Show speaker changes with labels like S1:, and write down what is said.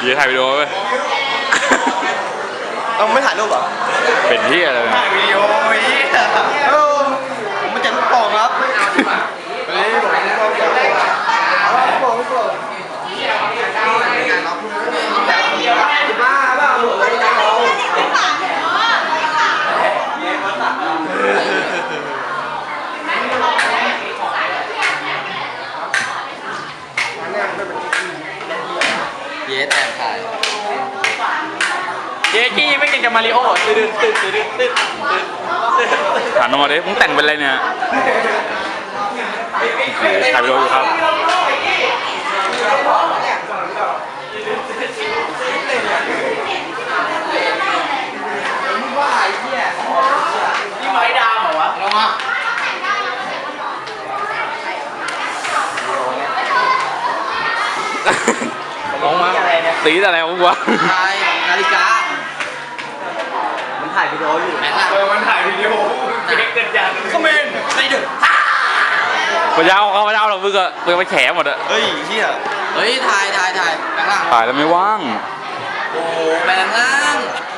S1: อย่าถ่ายวิดีโอเว้ย
S2: เราไม่ถ่ายรูปเหรอ
S1: เป็นที่อะไร
S2: ถ่ายวิดีโอนี่ผมมาจากลูกโป่งครับเฮ้ยผมลูกโป่งลูกโป่งบ้าเปล่า
S3: เย้แต่ถ่าย
S2: เจ๊กี้ไม่เก่งกับมาริโอ้ตื่น
S1: ถามน้องมาดิมึงแต่งเป็นอะไรเนี่ยถ่ายวิดีโออยู่ครับ
S2: นี่ไม้ดามเหรอวะลงมา
S1: ลงมาตีอะไรของกูวะ
S3: ถ่ายนาฬิกา
S2: มันถ่ายวิดีโออยู่
S3: แม่งละ
S2: มันถ่ายวิดีโอเจ๊เกิดยานคอมเมนต์ในดึก
S1: พระเจ้าเขาพระเจ้าเรามึงอะมึงไปแฉหมดอะ
S2: เฮ้ยเฮีย
S3: เฮ้ยถ่ายแม่งล่าง
S1: ถ่ายแล้วไม่ว่าง
S3: โอ้แม่งล่าง